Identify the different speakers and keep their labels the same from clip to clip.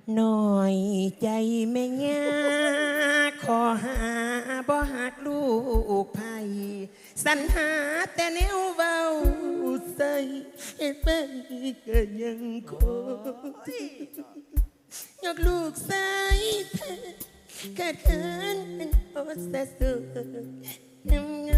Speaker 1: หน่อยใจแม่ย่าขอหาบ่หักลูกไผ่สรรหาแต่แนวเบาใส่ไปก็ยังคงยกลูกใส่เธอเกิดเขินเป็นโอสะสุยำ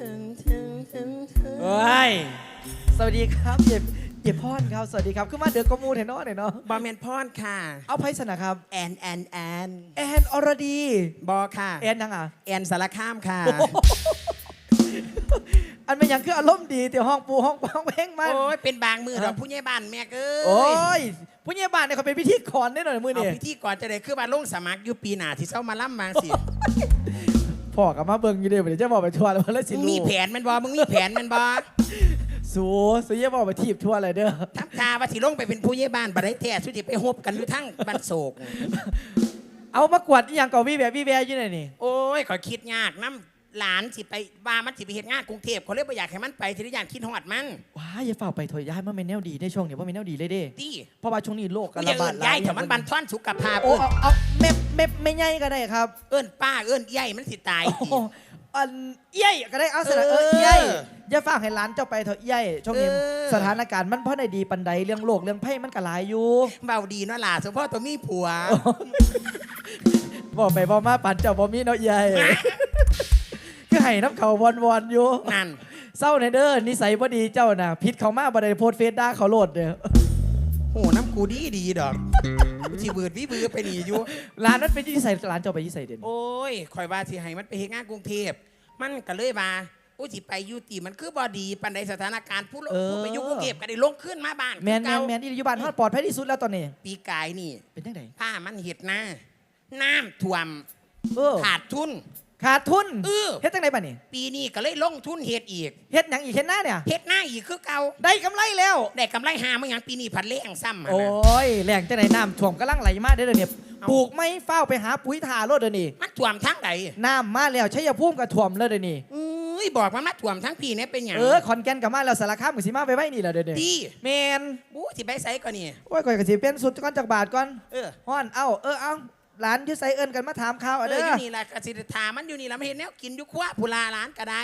Speaker 2: เฮ้ยสวัสดีครับเจ็บพอนครับสวัสดีครับขึ้นมาเดือกกมูเห็นเนาะเนาะ
Speaker 1: บอแมนพรค่ะ
Speaker 2: เอาไพ่สนะครับ
Speaker 1: แอน
Speaker 2: แอนอรดี
Speaker 1: บอค่ะ
Speaker 2: แอนยังอ่ะ
Speaker 1: แอนสารข้ามค่ะ
Speaker 2: อันเป็นยังคืออารมณ์ดีแต่ห้องปูห้องเพลงมัน
Speaker 1: โอ้ยเป็นบางมือเราผู้ใหญ่บ้านแม่เอ้ย
Speaker 2: โอ้ยผู้ใหญ่บ้านเนี่ยเขาเป็นพิธีกรได้หน่อยมือเนี่ย
Speaker 1: พิธีกรจะได้คือบ้านลงสมัครอยู่ปีหน้าที่เช้ามาล่ำมาสิ
Speaker 2: พ่อกับมาเบิ่งอยู่เดี๋ยวจะบอกไปทัวร์แล้วแล้วสิ
Speaker 1: มีแผนมันบอมึงมีแผนมันบอ
Speaker 2: สูเยี่ยบอกไปทีบทัวร์อะไรเด้อ
Speaker 1: ทับทาว่าสิลงไปเป็นผู้ใหญ่บ้านบัดได้แท้สุดที่ไปฮบกันอยู่ทั้งบ้านโศก
Speaker 2: เอามากวดอย่างก่อวีแวอยู่ไหนนี่
Speaker 1: โอ้ยขอคิดยากน้ำหลานสิไปบ้ามันสิไปเฮ็ดงานกรุงเทพเขาเลยบ่อยากให้มันไปทีละอย่างคิดฮอดมัน
Speaker 2: ว้าอย่าฝากไปถอยย้ายมันเป็นแนวดีในช่วงนี้ว่าเป็นแนวดีเลยเด้
Speaker 1: ดี
Speaker 2: เพราะว่าช่วงนี้โลก
Speaker 1: ระบาดย้ายแต่มันบันทอนสุขภาพ
Speaker 2: เอาไม่ใหญ่ก็ได้ครับ
Speaker 1: เอิ้นป้าเอิ้นใหญ่มันสิตาย
Speaker 2: อันใหญ่ก็ได้เอาสระใหญ่อย่าฝากให้ร้านเจ้าไปเถอะใหญ่ช่วงนี้สถานการณ์มันเพราะในดีปันใดเรื่องโลกเรื่องไพ่มันก็หลายอยู่
Speaker 1: เบาดีเนาะล่ะเฉพาะตัวมีผัว
Speaker 2: บอกไปบอกมาปั่นเจ้าบ่มีเนาะใหญ่ก็ให้น้ำเขาวนอยู่
Speaker 1: นั่น
Speaker 2: เศร้าในเด้อนิสัยบ่ดีเจ้าน่ะพิษเขามาบ่ได้โพสเฟซด่าเขาโลดเด้อ
Speaker 1: โหน้ำกูดีดอกสิบืดวิบือไปนี่อยู่
Speaker 2: ร้านนั้นเป็นที่ใส่ร้านเจ้าไปที่ใส่เด่น
Speaker 1: โอ้ยคอยว่าสิให้มันไปเฮ็ดงานกรุงเทพมันก็เลยว่าอุ้ยสิไปอยู่ตีมันคือบ่ดีปานใดสถานการณ์ผู้ไปอยู่กรุงเทพก็ได้ลงขึ้นมาบ้าน
Speaker 2: แมนที่อยู่บ้านฮอดปลอดภัยที่สุดแล้วตอนนี้
Speaker 1: ปีกายนี่
Speaker 2: เป็นจังได๋
Speaker 1: ผ้ามันเฮ็ดหน้าน้ำท่วมขาดทุน
Speaker 2: เฮ็ดจังได๋บัดนี้
Speaker 1: ปีนี้ก็เลยลงทุนเฮ็ดอีก
Speaker 2: เฮ็ดหยังอีกเฮ็ดหน้าเนี่ย
Speaker 1: เฮ็ดหน้าอีกคือเก่า
Speaker 2: ได้กำไรแล้ว
Speaker 1: ได้กำไรหาเมื่อหยังปีนี้ผัดแรงซ้ำ
Speaker 2: โอ้ยแรงจังได๋น้ำท่วมกำลังไหลมาเด้อเนี่ยปลูกไม่เฝ้าไปหาปุ๋ยทาโลดเด้อนี่
Speaker 1: มันท่วมทั้งใด
Speaker 2: น้ำมาแล้วชัยภูมิก็ท่วมเลยเด้อนี่
Speaker 1: บอกมันมาท่วมทั้งปีนี่เป็นหยัง
Speaker 2: ขอนแก่นก็มาแล้วสารคามก็สิมาไปไว้นี่แหละเด้อ
Speaker 1: ดี
Speaker 2: แม่น
Speaker 1: สิไปไสก่อนนี่
Speaker 2: โอ้ยก็สิเป็นสุดก่อนจากบาทก่อนฮ้อนเอาหลานอยู่ไสเอิ้นกันมาถามข่าวเด้อ
Speaker 1: อยู่นี่ล่ะกสิถามมันอยู่นี่ล่ะไม่เห็นแนวกินอยู่ครัวผู้ลาร้านก็ได้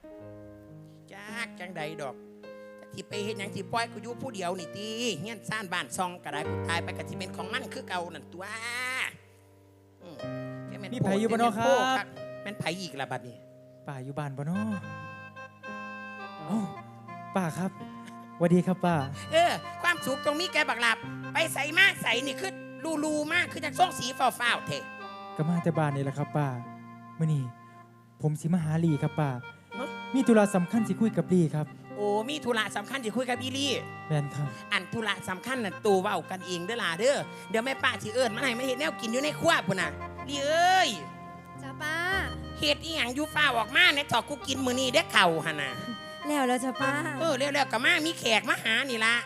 Speaker 1: จังใดดอกที่ไปเฮ็ดหยังที่ปล่อยกูอยู่ผู้เดียวนี่ติเฮียนซ่านบ้านซองก็ได้กูตายไปก็สิเป็นของมันคือเก่านั่นตัว
Speaker 2: มีไผอยู่บ่เนาะครับ
Speaker 1: แม่นไผอีกล่ะบัดนี้
Speaker 2: ป้าอยู่บ้านบ่เนาะป้าครับสวัสดีครับป้า
Speaker 1: ความสุขตรงนี้แกบักหลับไปใส่มาใส่นี่คือลูมากคือจังส่งสีฟ้าวๆเถอะ
Speaker 2: ก็มาแต่บ้านนี่แหละครับป้ามื้อนี้ผมสิมาหาลีครับป้ามีธุระสำคัญสิคุยกับลีครับ
Speaker 1: โอ้มีธุระสำคัญสิคุยกับอีลี่
Speaker 2: แม่นครับ
Speaker 1: อันธุระสำคัญน่ะตูเว้ากันเองเด้อล่ะเด้อเดี๋ยวแม่ป้าสิเอิ้นมาให้มาเฮ็ดแนวกินอยู่ในครัวพุ่นน่ะลีเอ้ย
Speaker 3: จ้าป้า
Speaker 1: เฮ็ดอีหยังอยู่ฟ้าออกมาเนี่ยถอดกูกินมื้อนี้เด้อเข่าหั่นน่ะ
Speaker 3: แล้วจ้าป้า
Speaker 1: แล้วก็มามีแขกมาหานี่ล่ะ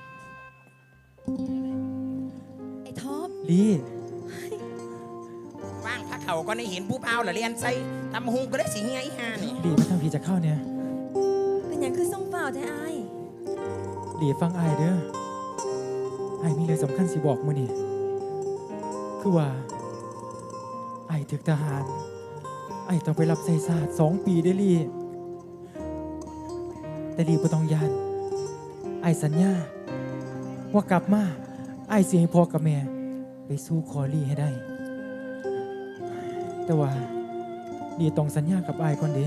Speaker 3: ไอ้ท็อป
Speaker 2: ลี
Speaker 1: ว่างพระเขาก็ได้เห็นผู้เปล่าละเรียนใส่ตำหุงก็ได้สิเฮียอีห่านี่
Speaker 2: ลีมาทำพี่จะเข้าเนี่ย
Speaker 3: เป็นอย่างคือส่งเปล่าแท้ไอ้
Speaker 2: ลีฟังไอ้เด้อไอ้มีเรื่องสำคัญสิบอกมื้อนี้คือว่าไอ้ถึกทหารไอ้ต้องไปรับใส่ศาสตร์2 ปีได้ลีแต่ลีบ่ต้องยานไอ้สัญญาว่ากลับมาไอ้สิให้พ่อกับแม่ไปสู้ขอลีให้ได้แต่ว่าลีต้องสัญญากับไอ้ก่อนเด้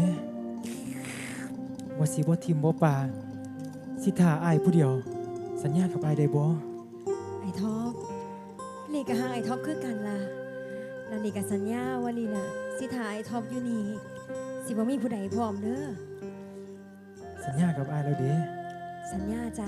Speaker 2: ว่าสิบ่ทิมบ่ป่าสิท่าไอ้ผู้เดียวสัญญากับไอ้ได้บ่
Speaker 3: ไอ้ท็อปลีกับหางไอ้ท็อปคือกันล่ะแล้วลีกับสัญญาว่าลีน่ะสิท่าไอ้ท็อปอยู่นี่สิบ่มีผู้ใดพร้อมเด้อ
Speaker 2: สัญญากับไอ้แล้วเด้
Speaker 3: สัญญาจ้า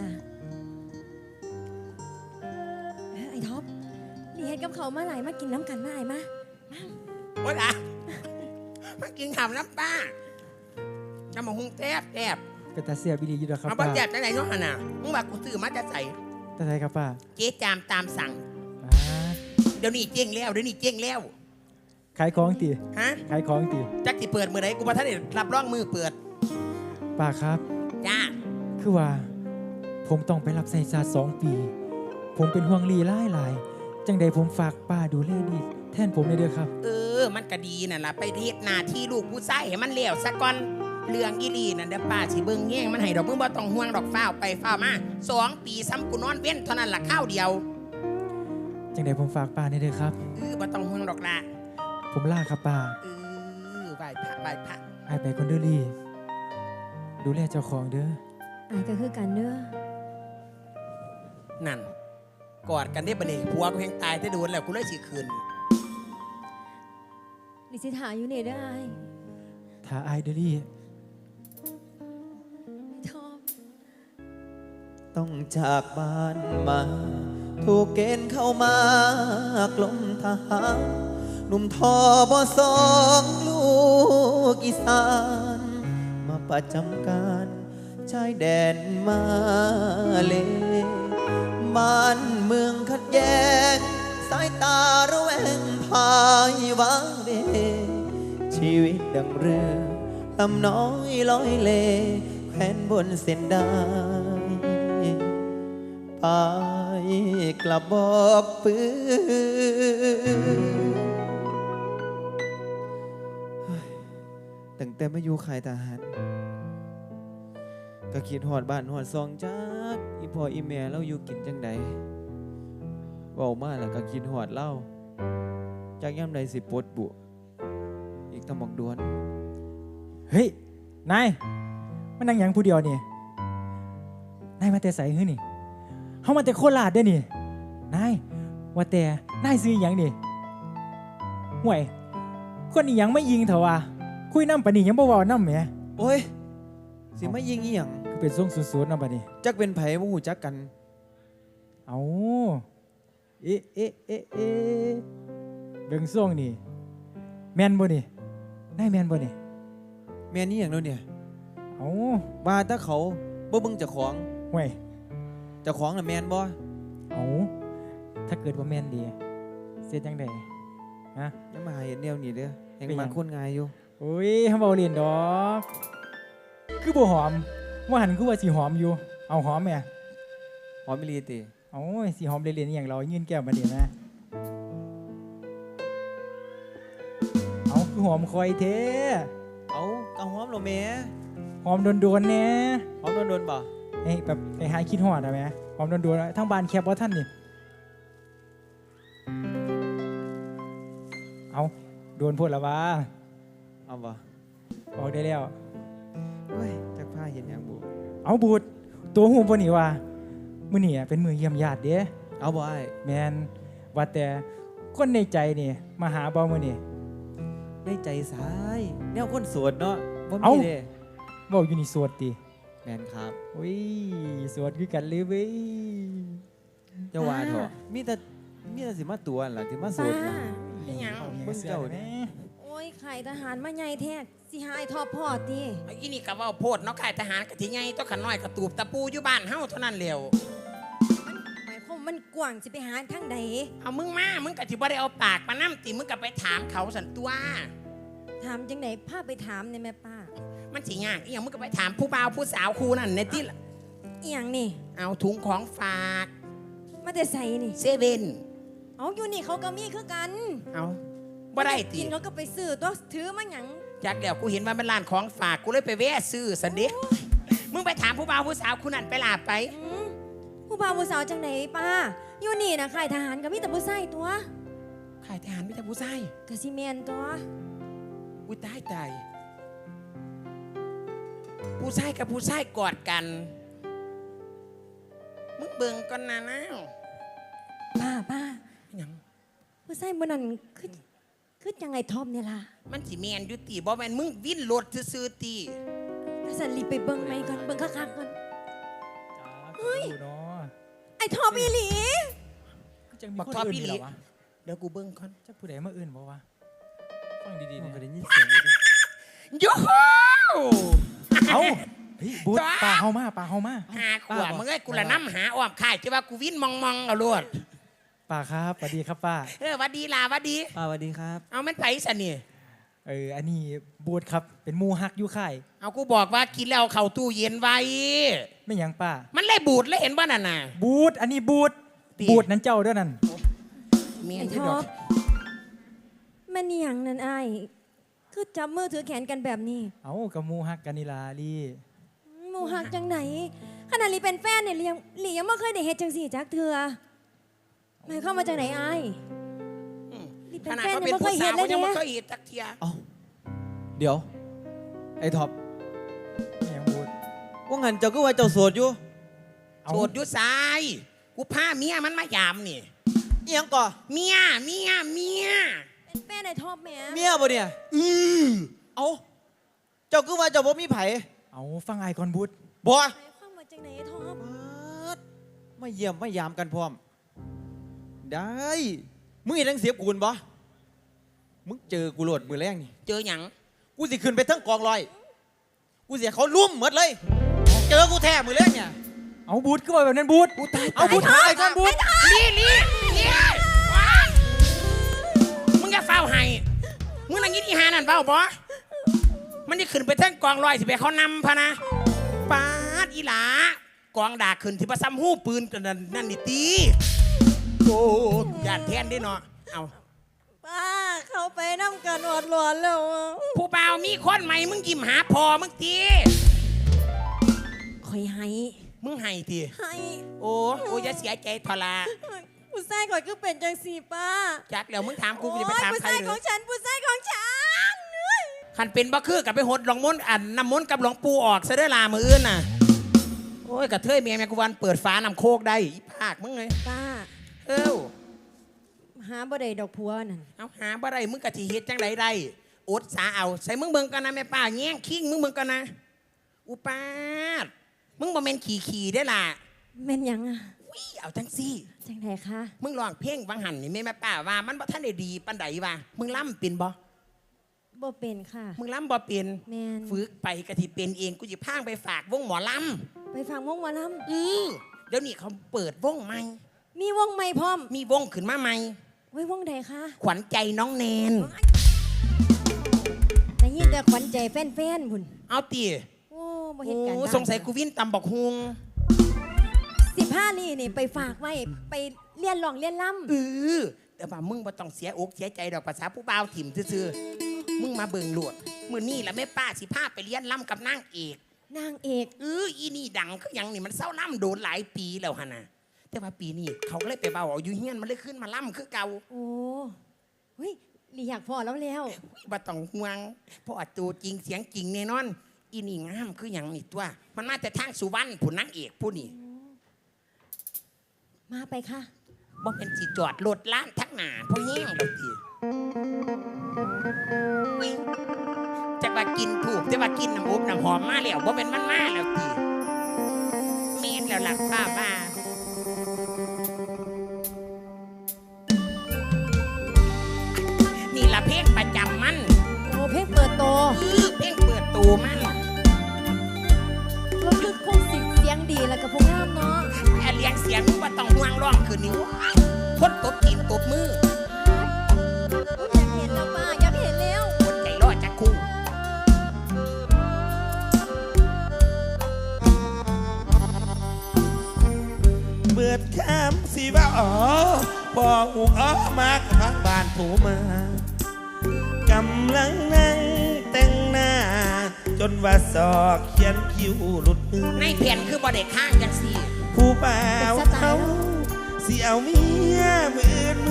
Speaker 3: ไอ้ท็อปลีเฮ็ดกับเขามาหลายมากินน้ำกันมาไอ้มา
Speaker 1: โอ๊ยล่ะมากินข้าวน้ำป้าน้ำมะฮุงแทบ
Speaker 2: เป็นตาเสียบิลีอยู่ดอกครับ
Speaker 1: ป้าเอาแทบได้ไหนเนาะน่ะมึงว่ากูซื้อมาจะใส่
Speaker 2: ตาไทยครับป้า
Speaker 1: เจ๊จามตามสั่งเดี๋ยวนี้เจ๊งแล้ว
Speaker 2: ขายของตีขายของตี
Speaker 1: จักที่เปิดมือไหนกูมาท่านเนี่ยรับร่องมือเปิด
Speaker 2: ป้าครับ
Speaker 1: จ้า
Speaker 2: คือว่าผมต้องไปรับใส่ศาสตร์2 ปีผมเป็นห่วงลีหลายจังใดผมฝากป้าดูแลดีแทนผมเลยเด้อครับ
Speaker 1: มันก็ดีนั่นล่ะไปเฮ็ดหน้าที่ลูกผู้ชายให้มันแล้วซะก่อนเรื่องอีหลีนั่นเด้อป้าสิเบิ่งแย่งมันให้ดอกมึงบ่ต้องห่วงดอกฟ้าวไปฟ้าวมา2 ปีซ้ำกูนอนเว้นเท่านั้นล่ะข้าวเดียว
Speaker 2: จังใดผมฝากป้าในเด้อครับ
Speaker 1: บ่ต้องห่วงดอกล่ะ
Speaker 2: ผมลาครับป้า
Speaker 1: ไหว้พระไหว้พระ
Speaker 2: อายไปคนเด้อลี่ดูแลเจ้าของเด้อ
Speaker 3: อายก็คือกันเด้อ
Speaker 1: นั่นกอดกันได้บัดนี้ผัวกูแฮงตายแต่โดนแล้วกูเลยสิคืน
Speaker 3: ลิสิถาอยู่นี่เด้ออาย
Speaker 2: ถ้าอายเด้อลี่
Speaker 3: ไอ้ทอบ
Speaker 4: ต้องจากบ้านมา ถูกเกณฑ์เข้ามากลมทหารหนุ่มทอบ2ลูกอีสานมาประจำการชายแดนมาเลบ้านเมืองขัดแย้งสายตาระแวงพายวางเวชีวิตดังเรือลำน้อยลอยเลแขวนบนเส้นได้ไปกลับบอกปืนตั้งแต่มาอยู่ค่ายทหารก็คิดหอดบ้านหอดซองจักอีพ่ออีแม่เราอยู่กินจังใดเว้ามาแล้วก็คิดหอดเล่าจากย่ำใดสิปลดบุอีกตำบักดวน
Speaker 2: เฮ้ยนายมันนั่งหยังผู้เดียวนี่นายมาแต่ใส่หื้อนี่เฮามาแต่โคราชเด้อนี่นายว่าแต่นายซื้อหยังนี่ห่วยคนอีหยังไม่ยิงเถอะวะคุยน้ำปานนี้ยังบ่เว้าน้ำแหม
Speaker 4: โอ้ย สิมายิงอีหยัง
Speaker 2: คือเป็นทรงสูดๆน้ำปานนี้
Speaker 4: จักเป็นไผบ่ฮู้จักกัน
Speaker 2: เอาเอ๊ะเอ๊ะเอ๊ะเอ๊ะเบิ่งทรงนี่แม่นบ่นี่นายแม่นบ่นี่
Speaker 4: แม่นอีหยังแล้วเนี่ย
Speaker 2: เอา
Speaker 4: ว่าถ้าเขาบ่เบิ่งเจ้าของ
Speaker 2: ห่วย
Speaker 4: เจ้าของน่ะแม่นบ่
Speaker 2: เอาถ้าเกิดว่าแม่นดีเสียจังไดฮะ
Speaker 4: ยังมาหาเห็นแนวนี้เด้อแห่ง
Speaker 2: เป็นหยัง
Speaker 4: มันคนง่ายอยู่
Speaker 2: โอ้ยเฮาเว้าเล่นดอกคือบ่หอมว่าหันคือว่าสิหอมอยู่เอาหอมแม่
Speaker 4: หอมอีหลีติ
Speaker 2: เอาสิหอมเล่นๆอหย่างเรายื่นแก้วมาเดี๋ยวนะเอาคือหอมคอยเท
Speaker 4: เอากะหอมเหรอแม่
Speaker 2: หอมโดนๆแน่
Speaker 4: หอมโดนๆบ่
Speaker 2: เอ้ยแบบไอ้หายคิดหอดอะแม่หอมโดนๆทั้งบ้านแคบว่าท่านนี่เอาโดนพูดแล้ววะ
Speaker 4: เอาบ่
Speaker 2: บอกได้แล้ว
Speaker 4: โอ้ยจักพาเห็นหยังบ่
Speaker 2: เอาบูดตัวหูบนนี่ว่ามื้อนี่เป็นมือเยี่ยมญาติเด้
Speaker 4: เอาบ่อ้าย
Speaker 2: แมนว่าแต่คนในใจนี่มาหาบ่มื้อนี่
Speaker 4: ได้ใจสายแนวคนโสดเนาะบ่
Speaker 2: เอ้า
Speaker 4: มีเด้
Speaker 2: เว้าอยู่นี่สวดติ
Speaker 4: แม่นครับ
Speaker 2: โอ้ยสวดคือกันเลยเว้ย
Speaker 4: เจ้าว่าเถอะมีแต่สิมาตัวนั่นล่ะที่มาโส
Speaker 3: ป้า
Speaker 4: ดน่ะ
Speaker 1: เป็นหยัง
Speaker 4: เบิ่งเจ้า
Speaker 2: แม่
Speaker 3: โอ้ยไข่ทหารมาใหญ่แท้สิหาไอ้ทอบพ่อติ
Speaker 1: อีนี่ก็เว้าโพดเนาะค่ายทหารกะทิไงตัวขันน้อยกระตูบตะปูอยู่บ้านเฮาเท่านั้นแล้ว
Speaker 3: มันหมายความมันกว้างสิไปหาทางใด
Speaker 1: เอามึงมามึงกะสิบ่ได้เอาปากมานํติมึงก็ไปถามเขาสันตัว
Speaker 3: ถามจังไหนพาไปถามในแม่ป้า
Speaker 1: มันสิยากอีหยังมึงก็ไปถามผู้บ่าวผู้สาวคู่นั่นในที่ละ
Speaker 3: อีหยังนี่
Speaker 1: เอาถุงของฝาก
Speaker 3: มาแต่ใส่นี่
Speaker 1: เซเว่น
Speaker 3: เอาอยู่นี่เขาก็มีคือกัน
Speaker 1: เอาบ่ได้ติ
Speaker 3: กินเขาก็ไปซื้อตัวถือมาหยัง
Speaker 1: จากเดี๋ยวกูเห็นว่ามันร้านของฝากกูเลยไปแวะซื้อสันเด็มึงไปถามผู้บ่าวผู้สาวคู่นั่นไปลาไป
Speaker 3: อืมผู้บ่าวผู้สาวจังไหนป้าอยู่นี่นะค่ายทหารก็มีแต่ผู้ชายตัว
Speaker 1: ค่ายทหารไม่ใช่ผู้ชาย
Speaker 3: กะสิแมนตัว
Speaker 1: อุ้ยตายตายผู้ชายกับผู้ชายกอดกัน มึงเบิ่งก่อนนะน้าว
Speaker 3: ป้า
Speaker 1: หยัง
Speaker 3: ผู้ชายบนนั้นคือจังไงทอมเนี่ยล่ะ
Speaker 1: มันสิแมนอยุติบ่แมนมึงวิ่นรถซื่อๆตี
Speaker 3: แล้วสันรีบไปเบิ่งไหมก่อนเบิ่งคักๆก่อน เฮ้ย
Speaker 2: เนาะ
Speaker 3: ไอ้ทอมอีหลี
Speaker 2: จังมีคนอื่นเหรอวะ
Speaker 1: เดี๋ยวกูเบิ่งก่อน
Speaker 2: จักผู้ใดมาอื่นบ่วะฟังดีๆ
Speaker 4: มั
Speaker 2: เนี่
Speaker 4: น
Speaker 2: ย
Speaker 4: ก็ได้ยินเสียงอยู่ดิ
Speaker 1: โย่โฮ
Speaker 2: เอาเฮ้ยบูด
Speaker 1: จ้า
Speaker 2: ปลาเฮามาปลาเฮามา
Speaker 1: หาขวบมึงเอ้ยกูละน้ำหาอ้อมข่ายจะว่ากูวิ่นมองเอาโลด
Speaker 2: ปลาครับสวัสดีครับป้า
Speaker 1: หวัดดีล่ะหวัดดี
Speaker 4: ป้าสวัสดีครับ
Speaker 1: เอามันไปสันนี่
Speaker 2: อันนี้บูดครับเป็นหมูฮักอยู่ค่าย
Speaker 1: เอากูบอกว่ากินแล้วเอาเข้าตู้เย็นไว้
Speaker 2: ไม่หยังป้า
Speaker 1: มันเลยบูดเลยเห็นว่านั่นน่ะ
Speaker 2: บูดอันนี้บูด
Speaker 1: ติ
Speaker 2: บูดนั้นเจ้าเด้วยนั่น
Speaker 1: เมียน
Speaker 3: ไอ้
Speaker 1: ที่
Speaker 3: ท็
Speaker 1: ด
Speaker 3: อ
Speaker 1: อก
Speaker 3: ปแม่นี่หยังนั่นไอ้ายคือจับมือถือแขนกันแบบนี้
Speaker 2: เอากับหมูฮักกันนี่ล่ะลี่
Speaker 3: หมูหักจังไหนขนาดลีเป็นแฟนเนี่ยลียังไม่เคยได้เฮ็ดจังสี่จักเถื่อหมายเข้ามมาจากไหนไอ้าย นี่เป็น
Speaker 1: ขนาด
Speaker 3: แฟน
Speaker 1: เขาเป็น
Speaker 3: ยังไม่
Speaker 1: ผู้
Speaker 3: เคยเห็
Speaker 1: สาน ว
Speaker 3: เลย
Speaker 1: เขายังไม่
Speaker 3: เนี่ย
Speaker 1: เคยเห็นจักเทีย
Speaker 4: เอาเดี๋ยว ไอ้ท็อป
Speaker 2: แม่งบูด
Speaker 4: ว่างั้นเจ้าก็ว่าเจ้าโสดอยู่
Speaker 2: เอา
Speaker 1: โสดอยู่ซ้ายกูพาเมียมันมายามนี่
Speaker 4: เอียงก่อ
Speaker 1: เมีย
Speaker 3: เป็นแฟนไอ้ท็อปแหม่
Speaker 4: เมียบ่เนี่ยเอาเจ้าก็ว่าเจ้าบ่มีไผ
Speaker 2: เอาฟังไอ้ก่อนบูด
Speaker 4: บ่
Speaker 3: หมายความมาจากไหนไอ้ท็อป
Speaker 4: มาเยี่ยมมายามกันพร้อม ได้มึงเห็นทั้งเสียบกูนบ่มึงเจอกูโหลดมือแรงนี่
Speaker 1: เจอหยัง
Speaker 4: กูสิขึ้นไปทั้งกองลอย กูเสียเขาลุ่มหมดเลย เจอกูแท้มือแรงเนี่ย
Speaker 2: เอาบูดก็ว่าแบบนั้นบูด
Speaker 1: กูตาย
Speaker 2: เอาบูดไอ้ก่อนบูด
Speaker 1: ลี่ว้ายมึงจะเฝ้าให้มึงนั่งยินอีหานั่นเฝ้าบ่มันจะขึ้นไปทั้งกองลอยสิไปเขานำพะนะปาดอีหลากองด่าขึ้นที่ประซ้ำหู้ปืนกันนั่นนี่ตีโอ้ยานแทนได้เนาะเอา
Speaker 3: ป้าเขาไปน้ำกันอดหลอนแล้วอะ
Speaker 1: ผู้เบาวมีคนใหม่มึงยิ้มหาพอมึงตี
Speaker 3: คอยให้
Speaker 1: มึงให้ตี
Speaker 3: ให้
Speaker 1: โอ้อย่าเสียใจทลา
Speaker 3: ผู้ชายก่อนก็เป็นจังสี่ป้า
Speaker 1: จักแล้วมึงถามกู
Speaker 3: โอ้
Speaker 1: จะไป
Speaker 3: ย
Speaker 1: ถาม
Speaker 3: ผู้
Speaker 1: ใคร
Speaker 3: ชาย
Speaker 1: หรื
Speaker 3: ขอ
Speaker 1: อง
Speaker 3: ฉันผู้ชายของฉัน
Speaker 1: ขันเป็นบ่คือกับไปหดหลวงมนต์น้ำมนต์กับหลวงปู่ออกซะเด้อลามืออื่นน่ะโอ้ยกระเทยเมียแม่กูวันเปิดฟ้านำโคกได้อีภาคมึงไง
Speaker 3: ป้า
Speaker 1: เอ้า
Speaker 3: หาบ่ได้ดอกพัวนั่น
Speaker 1: เอาหาบ่ได้มึงกะทีเฮ็ดจังไดได้อดสาเอาใส่มึงเบิ่งกันนะแม่ป้าแง่งคิงมึงเบิ่งกันนะอุปาดมึงบ่แม่นขี่ได้ล่ะ
Speaker 3: แม่นหยังอะ
Speaker 1: วิเอาจังซี่
Speaker 3: จังไดคะ
Speaker 1: มึงลองเพลงวังหันนี่แม่ป้าว่ามันบ่ทันได้ดีปานใดว่ามึงล่ำเป็นบ่
Speaker 3: บ่เป็นค่ะ
Speaker 1: มึงล่ำบ่เป็น
Speaker 3: แม่น
Speaker 1: ฝึกไปกะที่เป็นเองกูจะพางไปฝากวงหมอล
Speaker 3: ไปฟังวงหมอล
Speaker 1: ำเดี๋ยวนี้เขาเปิดวงใหม่
Speaker 3: ำมีวงใหม่พร้อม
Speaker 1: มีวงขึ้นมาใหม่
Speaker 3: ไว้วงใดคะ
Speaker 1: ขวัญใจน้องแนน
Speaker 3: ได้ยินแต่ขวัญใจแฟนๆพุ่น
Speaker 1: เอาตี
Speaker 3: โอ้บ่เห็นการ
Speaker 1: โอ้
Speaker 3: บ้าน
Speaker 1: สงสัยกูวินตำบอกฮวง
Speaker 3: 15นี่ไปฝากไว้ไปเรียนร้องเรียนล่
Speaker 1: แต่ว่ามึงบ่ต้องเสียอกเสียใจดอกภาษาผู้บ่าวถิ่มซื่อๆมึงมาเบิ่งโลดมื้อนี้ล่ะแม่ป้าสิพาไปเรียนล่ำกับนางเอก
Speaker 3: ำนางเอก
Speaker 1: อีนี่ดังคือหยังนี่มันเศร้าล่ำโดนหลายปีแล้วหั่นน่ะแต่ว่าปีนี้เขาก็เลยไปเบาเอาอยู่เฮียนมันเลยขึ้นมาล่ำคือเก่า
Speaker 3: โอ้เฮ้ยลีอยากพอแล้วแล้ว
Speaker 1: บ่ต้องห่วงเพราะว่าตัวจริงเสียงจริงแน่นอน อีนี่งามคือหยังนี่ตัว มันมาแต่ทางสุวรรณผู้นางเอกผู้นี่
Speaker 3: มาไปค่ะ
Speaker 1: บ่เป็นสิจอดรถล้านทักหนาเพราะแห้งแล้วทีจะว่ากินถูกจะว่ากินน้ำอบน้ำหอมมาแล้วบ่เป็นมันมาแล้วทีเมนแล้วหลักป้าบ้านี่ละเพลงประจำมัน
Speaker 3: โอ้เพลงเปิดโต
Speaker 1: เพลงเปิดตัวมัน
Speaker 3: ก็คือคงเสียงดีแล้วกับพวกงามเนาะ
Speaker 1: เลี้ยงเสียงว่าต้องห่วงร้องคืนนี้คนตบตีนตบมือ
Speaker 3: อยากเห็นแล้วป้าอยากเห็นแล้ว
Speaker 1: คนใจรอดจะคู่
Speaker 5: เบิดคำสิว่าอ๋อปอหูอ้อมากทางบ้านผู้มากำลังนั่งแต่งหน้า จนว่าศอกเขียนคิ้วหลุดมือ
Speaker 1: ในแผ่นคือบ่ได้ข้างจังสี่
Speaker 5: ผู้บ่าวเขาสิเอาเมียมื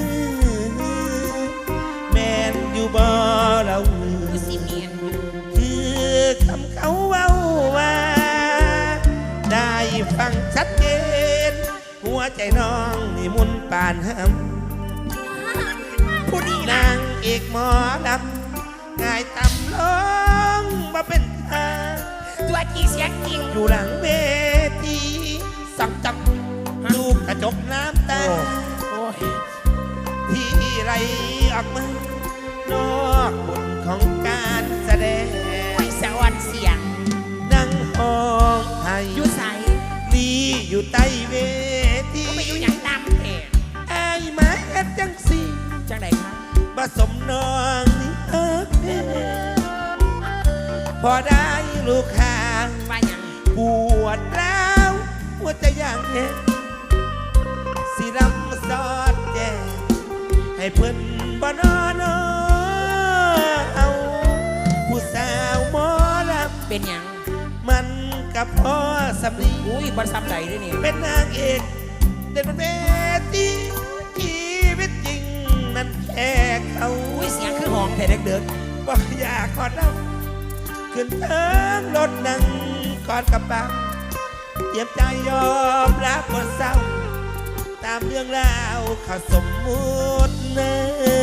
Speaker 5: อแม่นอยู่บ่เรามือ
Speaker 1: คือสิเมียน
Speaker 5: คือคำเขาเว้าว่า ได้ฟังชัดเจน หัวใจน้องนี่มุนปานหำ
Speaker 1: ผู้นี้
Speaker 5: นางเอกหมอลำง่ายตำลงมาเป็นทาง
Speaker 1: ตัวจริงเสียงจริง
Speaker 5: อยู่หลังเวทีสังจับดูกระจกน้ำตา
Speaker 1: โอ้ย
Speaker 5: ที่ไหลออกมานอกบทของการแสดง
Speaker 1: ไว้สะออนเสียง
Speaker 5: นั่งห้องไทย
Speaker 1: อยู่ใส
Speaker 5: ดีอยู่ใต้เวที
Speaker 1: ก็ไปอยู่อย่างตามเพจ
Speaker 5: ไอ้ายมาเฮ็ดจังสิ
Speaker 1: จังไดครับ
Speaker 5: ผสมน้องนี่เอิกแน่พอได้ลูกค้า
Speaker 1: ว่าหยัง
Speaker 5: ปวดร้าวหัวใจอย่างเห็นสิรำสอดแจงให้เพิ่นบ่นอนเอาผู้สาวหมอลำ
Speaker 1: เป็นหยัง
Speaker 5: มันกับพ่อสำลี
Speaker 1: อุ้ยบอลซ้ำใดด้วยนี่
Speaker 5: เป็นนางเอกเด่นเป็นเวทีชีวิตจริงนั้นแค่เขา
Speaker 1: อุ้ยเสียงคือหองแต่เด็ก
Speaker 5: บ่อยากกอดน้ำขึ้นเทิงรถนั่งกอดกับปังเตรียมใจยอมรับบทเศร้าตามเรื่องราวเขาสมมุติเนื้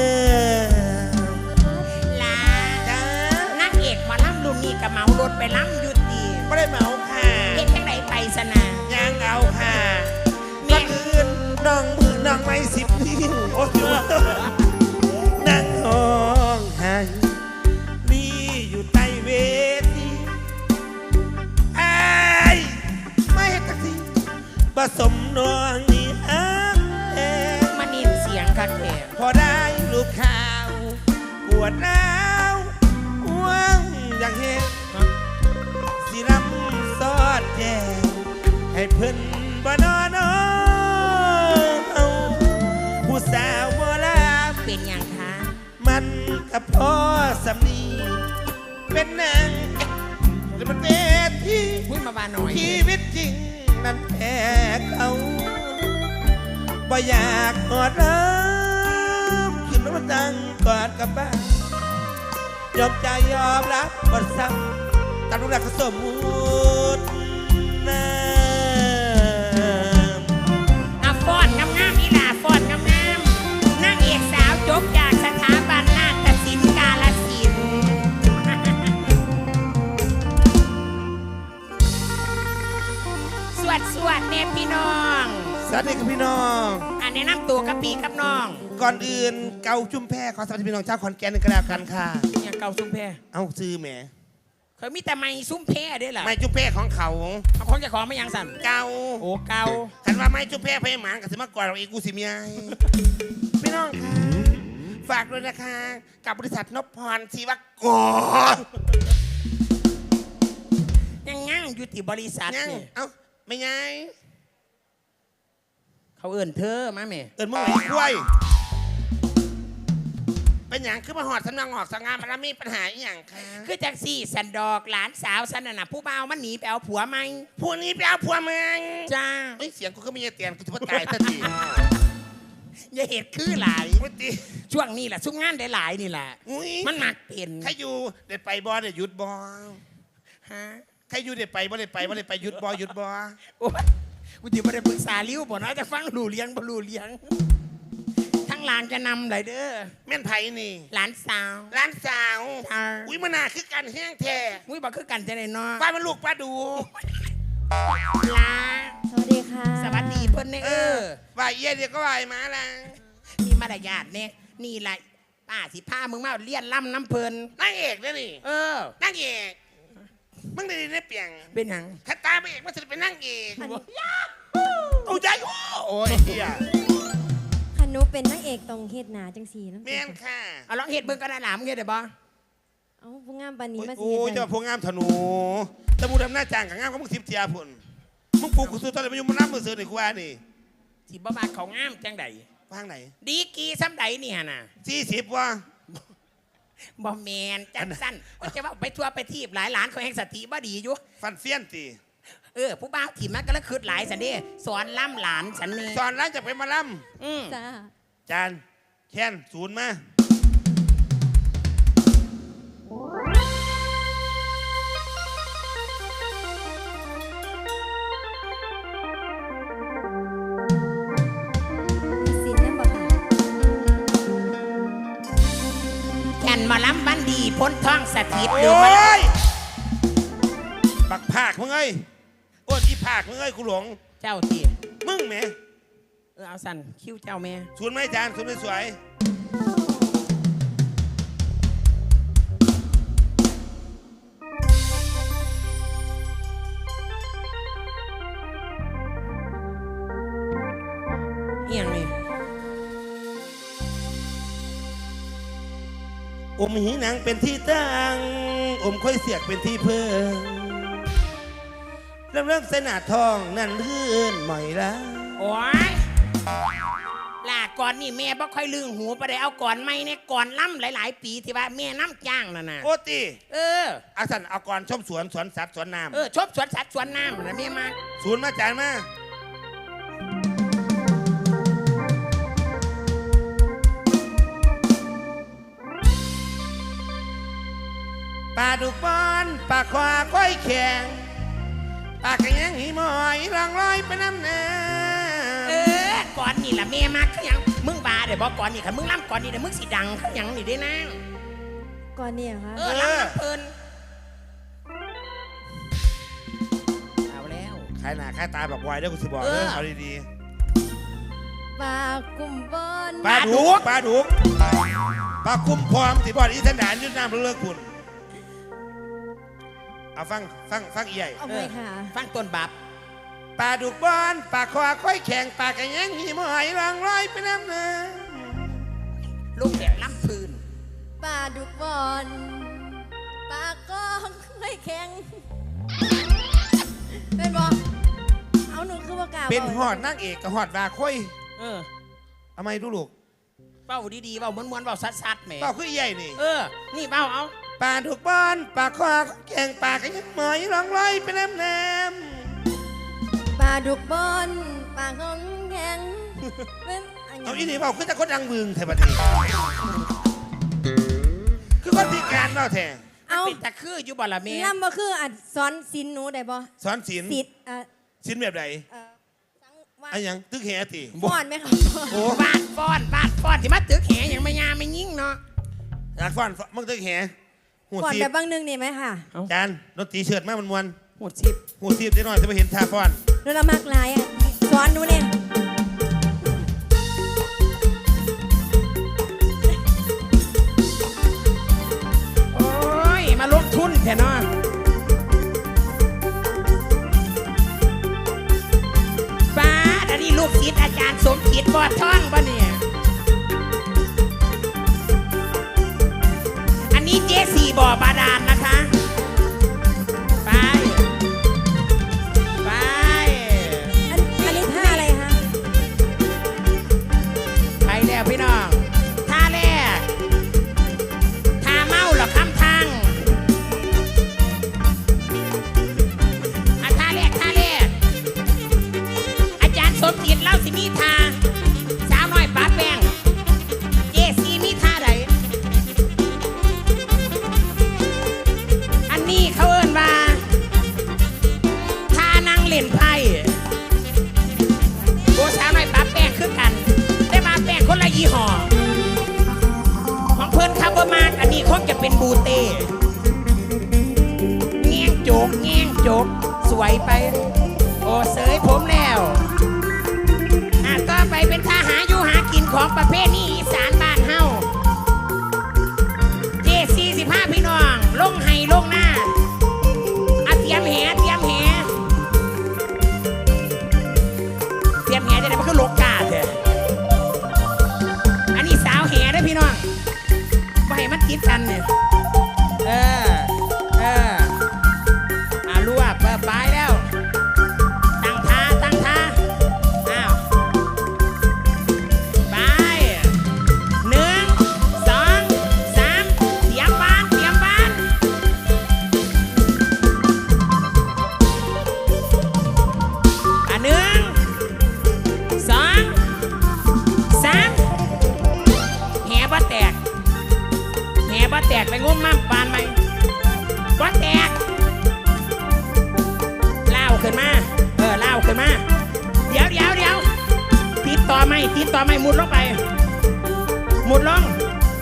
Speaker 5: อ
Speaker 1: ๆลา
Speaker 5: จ้า
Speaker 1: นักเอกหมาล่ำรุ่นนี้กับเมารถไปล่ำอยุติ
Speaker 5: ไม่ได้เหมาค่ะ
Speaker 1: เฮ็ดจังไดไปสนะ
Speaker 5: ยังเอาค่ะ
Speaker 1: แม่
Speaker 5: ก่อนอื่นน้องมือน้องไม่สิบนิ้วโอ้ยนั่งห้องไห้นี่อยู่ใต้เวทีไอ้ายไม่เห็นตักทีผสมน้องนี่ฮักแท้
Speaker 1: มานินเสียงคักแท้
Speaker 5: พอได้ลูกข่าวปวดร้าวห่วงอย่างเห็นสิรำซอดแจงให้เพิ่นบ่นอนเอาผู้สาวโบราณ
Speaker 1: เป็นหยังคะ
Speaker 5: มันกับพ่อสำนีเป็นนางหรือมันเป็นที่
Speaker 1: พูดมาบาหน่อย
Speaker 5: ชีวิตจริงนั้นแพ้เขาบ่อยากกอดน้ำขึ้นมาดังกอดกับบ้านยอมใจยอมรับบทซ้ำตามรูปลักษณ์สมมุตินะ
Speaker 1: อ่ะฟ้อนงามๆนี่ล่ะฟ้อนงามๆนางเอกสาวจบจากสถาบันนาฏศิลป์กาฬสินธุ์ สวดแน่พี่น้อง
Speaker 5: สวัสดีครับพี่น้อง
Speaker 1: อันแนะนำตัวกับพี่กับน้อง
Speaker 5: ก่อนอื่นเกาจุ่มแพรขอสวัสดีพี่น้องชาวขอนแก่นกันแล้วกันค่ะ
Speaker 1: อย่างเก่าซุ้มแพ
Speaker 5: เอาซื้อแหม
Speaker 1: เคยมีแต่ไม้ซุ้มแพได้หรอ
Speaker 5: ไม่จุ่มแพรของเขา
Speaker 1: เอาของจะของไม่ยังสั่น
Speaker 5: เกา
Speaker 1: โอ้เก่า
Speaker 5: คันว่าไม่จุ่มแพรเพหมานกับสิมากกว่าเราอีกกูสิเมียพี่น้องค่ะฝากด้วยนะคะ กับบริษัทนพพรชีวกร
Speaker 1: ยังงั้งอยู่ที่บริษัท
Speaker 5: ยัง
Speaker 1: นี่
Speaker 5: เอ้าไม่ไง
Speaker 1: เขาเอื่นเธอมาแม่
Speaker 5: เอินมึงไหนกล้วยเป็นอย่างคือมาหอดสำนักออกสังงานมันมีปัญหาอหย่างค่ะ
Speaker 1: คือจากสี่สันดอกหลานสาวสันน่ะผู้บ่าวมันหนีไปเอาผัวไหม
Speaker 5: พวกนี้ไปเอาผัวมึง
Speaker 1: จ้า
Speaker 5: เฮ้ยเสียงกูก็ไม่ใช่เตียนกูจะพูดตายทันที
Speaker 1: อย่าเหตุคือหลาย
Speaker 5: พุติ
Speaker 1: ช่วงนี้แหละซุ่มงานได้หลายนี่แหละ
Speaker 5: อุ้ย
Speaker 1: มันหมักเป็น
Speaker 5: ใครอยู่เด็ดไปบอเด็ดหยุดบอ
Speaker 1: ฮะ
Speaker 5: ใครอยู่เด็ดไปบ่เด็ดไปบ่เด็ดไปหยุดบอหยุดบอ
Speaker 1: โอ้ยกูจะไม่ได้ปรึกษาลิ้วบ่เนาะจะฟังรู้เลี้ยงบ่รู้เลี้ยงทั้งหลานจะนำเลยเด้อ
Speaker 5: แม่นไผ่นี่
Speaker 1: หลานสาว
Speaker 5: ร้านสาว
Speaker 1: จ้า
Speaker 5: อุ้ยมันน่าคือกันแห้งแท้
Speaker 1: มุ้ยบอกคือกันจะได้เนาะ
Speaker 5: ป้ามันลูกป้าดู
Speaker 1: ลา
Speaker 3: สวัสดีค่ะ
Speaker 1: สวัสดีเพิ่นเนี่ย
Speaker 5: ว่าเยี่ยเดียวก็ว่ามาละ
Speaker 1: มีมารยาทเนี่ยนี่แหละป้าสิพามึงมาเลี้ยนล่ำน้ำเพิ่น
Speaker 5: นางเอกเนี่ยนี่
Speaker 1: เออ
Speaker 5: นางเอกมึงได้ยินได้เปลี่ยน
Speaker 1: เป็นหยัง
Speaker 5: ถ้าตาไปเอกมันจะเป็นนางเอกโอ้ยใจโอ้ยเฮีย
Speaker 3: คันหนูเป็นนางเอกตรงเฮ็ดหนาจังสีน้ำ
Speaker 5: แม่นค่ะ
Speaker 1: เอาลองเฮ็ดเบิ่งก็ได้หลามงเฮ็ดได้บ่
Speaker 3: เอาผู้งามปานนี้มาสิ
Speaker 5: โอ้
Speaker 3: เฮ็
Speaker 5: ย
Speaker 3: ด
Speaker 5: เจ้า
Speaker 3: ได้
Speaker 5: พวกงามธนูตะบูดำหน้าจางกับงามก็มึงทิพย์เจียพุ่นมึงปลูกกูซื้อตอนไหนมาอยู่มันน้ำมือซื้อในกูว่านี่
Speaker 1: สิบ่มาเขางามจังใด
Speaker 5: ว่างไหน
Speaker 1: ดีกีซ้ำใดนี่หั่นน่ะ
Speaker 5: 40ว่ะ
Speaker 1: บ่แมนจังสั้นก็จะว่าไปทัวร์ไปทีบหลายหลานเขาแห่งสติบ่ดีอยู่
Speaker 5: ฟันเฟี้ยนตี
Speaker 1: ผู้บ่าวถีบมันก็แล้วคืดหลายสันเด้สอนล่ำหลานฉันนี่
Speaker 5: สอนร้านจะไปมาล่
Speaker 1: อืม
Speaker 3: จ้า
Speaker 5: ำจานแค้นศูนย์มา
Speaker 3: มีสินน้ำบ่ค่ะ
Speaker 1: แก่นมาล้ำบ้านดีพ้นท้องสถิต
Speaker 5: โอ
Speaker 1: เดือมาล้
Speaker 5: ้ยบักภาคมึงเอ้ยโอ้ยอีภาคมึงเอ้ยกูหลง
Speaker 1: ำเจ้าตี
Speaker 5: มึงแหม
Speaker 1: เอาสั่นคิ้วเจ้าแม่
Speaker 5: ศูนย์ไหมจานศูนย์ไม่สวย
Speaker 1: เอียงนี่
Speaker 5: อมหีหนังเป็นที่ตั้งอมค่อยเสียกเป็นที่เพิ่งเริ่มเสนาทองนั่นลื่นหม่อยละ
Speaker 1: โอ้ยลากก่อนนี่แม่บ่ค่อยลืงหูไปได้เอาก่อนไม่เนี่ยก่อนล่ำหลายๆปีที่ว่าแม่น้ำจ้างน่ะ
Speaker 5: โอตี อาสันเอาก่อนชมสวนสวนสัตว์สวนน้ำ
Speaker 1: ชอบสวนสัตว์สวนน้ำนะแม่มา
Speaker 5: ศูนย์มาจานมาปลาดุกบอนปลาควาก้อยแข็งปลากระยังหีหมอยรองลอยไปน้ำน้ำ
Speaker 1: ก่อนนี่ล่ะแม่มาคือหยังมึงบาเดี๋ยวบอกก่อนนี่ค่ะมึงล่ำก่อนนี่เดี๋ยวมึงสิดังคือหยังนี่ได้นั่ง
Speaker 3: ก่อนเนี่ยเหรอคะ
Speaker 1: ล่ำน้ำเพลินเอาแล้ว
Speaker 5: ขายหน้าขายตาบอกไว้เด้อกูสิบอกเด้อเอาดี
Speaker 3: ปลากุมบอน
Speaker 5: ๆปลาดุกปลาดุกปลาคุ้มพร้อมสิบอดอีสันดานยืดน้ำเลิกคุณเอาฟังอีใหญ่
Speaker 3: เอาไปค่ะ
Speaker 1: ฟังต้นบับ
Speaker 5: ปลาดุกบอนปลาคอค่อยแข็งปลากระยังหีหมอยรองลอยไปน้ำน้
Speaker 1: ลูกแบบล่ำพื้น
Speaker 3: ปลาดุกบอนปลากองไม่แข็งเป็นบอเอาหนูคือว่ากล่าว
Speaker 5: ำเป็นหอดนางเอกกับหอดวาค่อย ทำไมดูลูก
Speaker 1: เบ้าดีๆเบ้าม้วนๆเบ้าซัดๆแหม
Speaker 5: เปล่าคืออีใหญ่นี่
Speaker 1: นี่เบ้าเอา
Speaker 5: ปลาดุกบอนปลาคอแข็งปลากระยังหมอยรองลอยไปน้ำน้
Speaker 3: ปลาดุกบอนปลากองแข็งเป็นอัน
Speaker 5: ำ
Speaker 3: นี้
Speaker 5: เอาอีนี่เปล่าคือแต่คนดังบึงแถวบัดนี้คือคนพิการเปล่าแท้
Speaker 3: เอา
Speaker 1: เป็นตะคืออยู่บ่ละแม่
Speaker 3: ล่ำบ่คืออัดสอนศิลป์หนูได้บ่
Speaker 5: สอนศิลป์
Speaker 3: ศิษย์
Speaker 5: ศิลป์แบบไหน
Speaker 3: สังวา
Speaker 5: อันยังตึกแหติ
Speaker 3: ฟ้อนไหมคะ
Speaker 5: โอ้
Speaker 1: บาดฟ้อนที่มาตึกแหยังไม่ยาไม่ยิ่งเนาะ
Speaker 5: อยากฟ้อนมึงตึกแหหู
Speaker 3: ฟ้อน
Speaker 5: ซี
Speaker 3: แบบบางหนึงนี่ไหมค่ะ
Speaker 5: จานดนตรีเชิดมากมันมวน
Speaker 1: หมดชิป
Speaker 5: หูซีบได้หน่อยจะไปเห็นท่าฟ้อน
Speaker 3: หนูละมักหลายอ่ะสอนหนูเนี่ย
Speaker 1: โอ้ยมาลงทุนแค่เนาะป้าดอันนี้ลูกศิษย์อาจารย์สมจิตบอดท่องป่ะเนี่ยอันนี้เจสี่บ่อบาดาลนะคะ ไป ไป
Speaker 3: อันนี้ท่าอะไรคะ
Speaker 1: ไปแล้วพี่น้องท่าแรกท่าเมาหรอคำทางท่าแรกอาจารย์สมจิตเล่าสิมีท่าสาวน้อยป้าแป้งเจซีมีท่าใดอันนี้เขาเอิ้นว่าท่านั่งเล่นไพ่โบสาวน้อยป้าแป้งคือกันได้มาแป้งคนละยี่ห้อของเพิ่นคาร์บมากอันนี้คงจะเป็นบูเต้แง่งโจกสวยไป โอ้เสยผมแล้วต่อไปเป็นท่าหาอยู่หากินของประเภทนี้อีสานบ้านเฮาเจ45พี่น้องลงไห้ลงหน้าเตรียมแหจะได้มันคือโลกาเถอะอันนี้สาวแหได้อพี่น้องไม่ให้มันติดกันเนี่ยรวบไปแล้วตั้งท่าอ้าวไป1 2 3เตรียมบ้าน1 2 3แหบ่แตกไปงมมั่มปานไหมบ่แตกเล่าขึ้นมาเดี๋ยวติดต่อไม่มุดลงไปมุดลง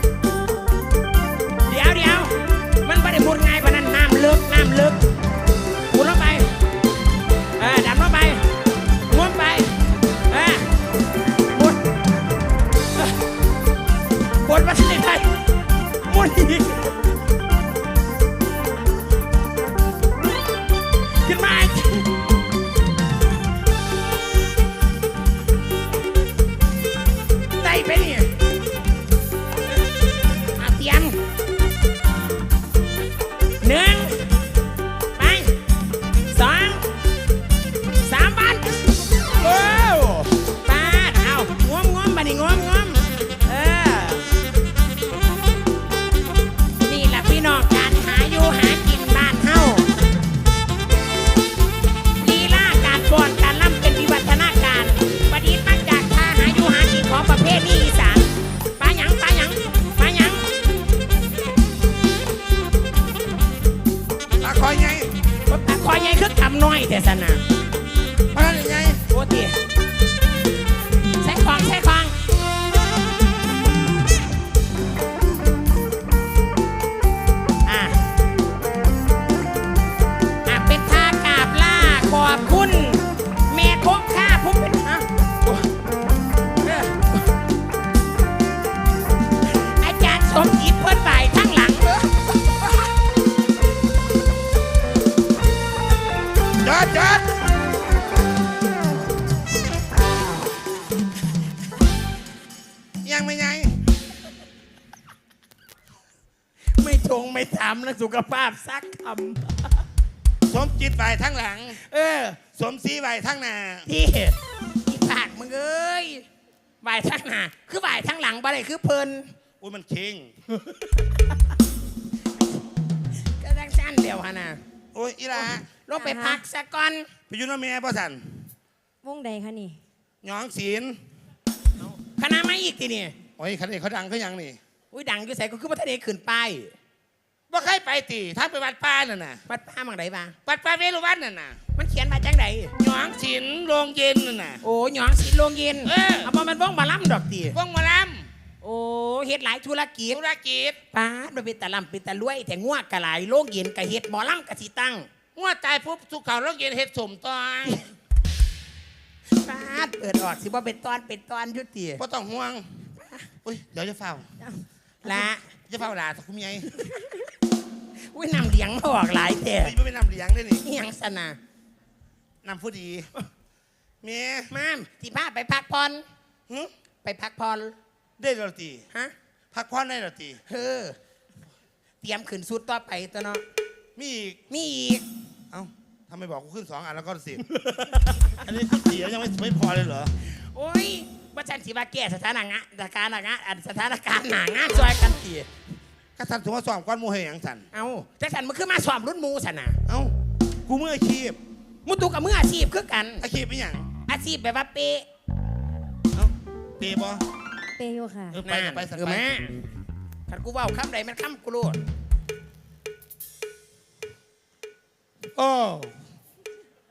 Speaker 1: เดี๋ยวมันไม่ได้มุดง่ายปานนั้นน้ำลึกมุดลงไปดำลงไปมุดไปมุดบนมาที่ไหนมุดอีกขึ้นมาได้ไปนี่เตรียม1ไป2 3บ้านโอ้ปาดเอางวมบัดนี้งวมแต่สนะ
Speaker 5: มาได้ไง
Speaker 1: โอ้ตีใส่ของใส่ของอ่ะเป็นท่ากราบลาขอบคุณแม่คงค่าผมเป็นอาจารย์สมจิตเพิ่นบ่ายทั้งหลังเด้อ
Speaker 5: จอดยังไม่ไง
Speaker 1: ไม่ชงไม่ถามแล้วสุขภาพซักค
Speaker 5: สมจิตไหวทั้งหลัง
Speaker 1: ำ
Speaker 5: สมศรีไหวทั้งหน้า
Speaker 1: ที่อีปากมึงเอ้ยบ่ายทั้งหน้าคือบ่ายทั้งหลังบ่ได้คือเพลิน
Speaker 5: อุ้ยมันเค็ง
Speaker 1: ก็ดังสั้นเดียวฮะนะ
Speaker 5: โอ้ยอีหลา
Speaker 1: ลงไปพักซะก่อน
Speaker 5: ไปอยุ่นแม่พ่อสัน
Speaker 3: วงใดคะนี่
Speaker 5: หยองศีล
Speaker 1: คณะไม่อีกทีนี่
Speaker 5: โอ้ยคันนี้เขาดังเขายังนี่
Speaker 1: อุ้ยดังอยู่ใส่ก็คือว่าทะเลขึ้นไป
Speaker 5: ว่าใครไปตีถ้าไปวัดป้าน่ะน่ะ
Speaker 1: วัดป้ามังไดบ้าง
Speaker 5: วัดป้าเวรุวันน่ะน่ะ
Speaker 1: มันเขียนมาจังได
Speaker 5: หยองศีลโรงเย็นน่ะน่ะ
Speaker 1: โอ้หยองสีโรงเย็น เอามามันว่องมาล่ำดอกตี
Speaker 5: วงหมาล
Speaker 1: โอ้เฮ็ดหลายธุรกิจ
Speaker 5: ำธุรกิจ
Speaker 1: ป้าดมันเป็นตะลำเป็นตะรวย แต่ง่วกะหลายโรงเย็นกะเฮ็ดหมอล่ำกะสิตั้ง
Speaker 5: งวดตายปุ๊บสุขเขาโรงเย็นเฮ็ดสมตอย
Speaker 1: ป้าดเปิดออกสิว่าเป็นตอนยุติ
Speaker 5: ก็ต้องห่วงอุ้ยเดี๋ยวจะเฝ้า
Speaker 1: ละ
Speaker 5: จะเฝ้าหลาสักคุ้มยัย
Speaker 1: อุ้ยนำเลี้ยงมาออกหลายแต่
Speaker 5: ไม่เป็นนำเลี้ยงได้นี่
Speaker 1: อิหยังสนะ
Speaker 5: นำผู้ดีเมีย
Speaker 1: มามที่พาไปพักผ่อน
Speaker 5: หึ
Speaker 1: ไปพักผ่อน
Speaker 5: ได้เหรอตี
Speaker 1: ฮะ
Speaker 5: พักผ่อนได้เหรอตี
Speaker 1: เฮ้อเตรียมขึ้นสุดต่อไปตัวเนาะ
Speaker 5: มีอีก
Speaker 1: มีอีก
Speaker 5: เอ้าทำไมบอกกูขึ้น2 อันแล้วก็10 อันนี้ขึ้น4แล้วยังไม่พอเลยเหรอ
Speaker 1: โอ้ยว่าฉันสิว่าแก้สถานการณ์สถานการณ์หนางานซอยกันตี
Speaker 5: ก็ทำถึงว่าสอบก้อนหมูเหียงสัน
Speaker 1: เอาแต่ฉันมันคือมาสอบรุ่นหมูสันนะ
Speaker 5: เอ้ากูมืออาชีพ
Speaker 1: มุตุกับมืออาชีพคือกัน
Speaker 5: อาชีพเป็นอย่าง
Speaker 1: อาชีพแบบว่าเป๊ะ
Speaker 5: เอ้าเปย์บอ
Speaker 3: เปโยค่ะ
Speaker 5: ไปกับไปสัก
Speaker 1: เออ
Speaker 5: ไป
Speaker 1: แม่ขันกูเว่าคำใดมันคำกูโลด
Speaker 5: โอ้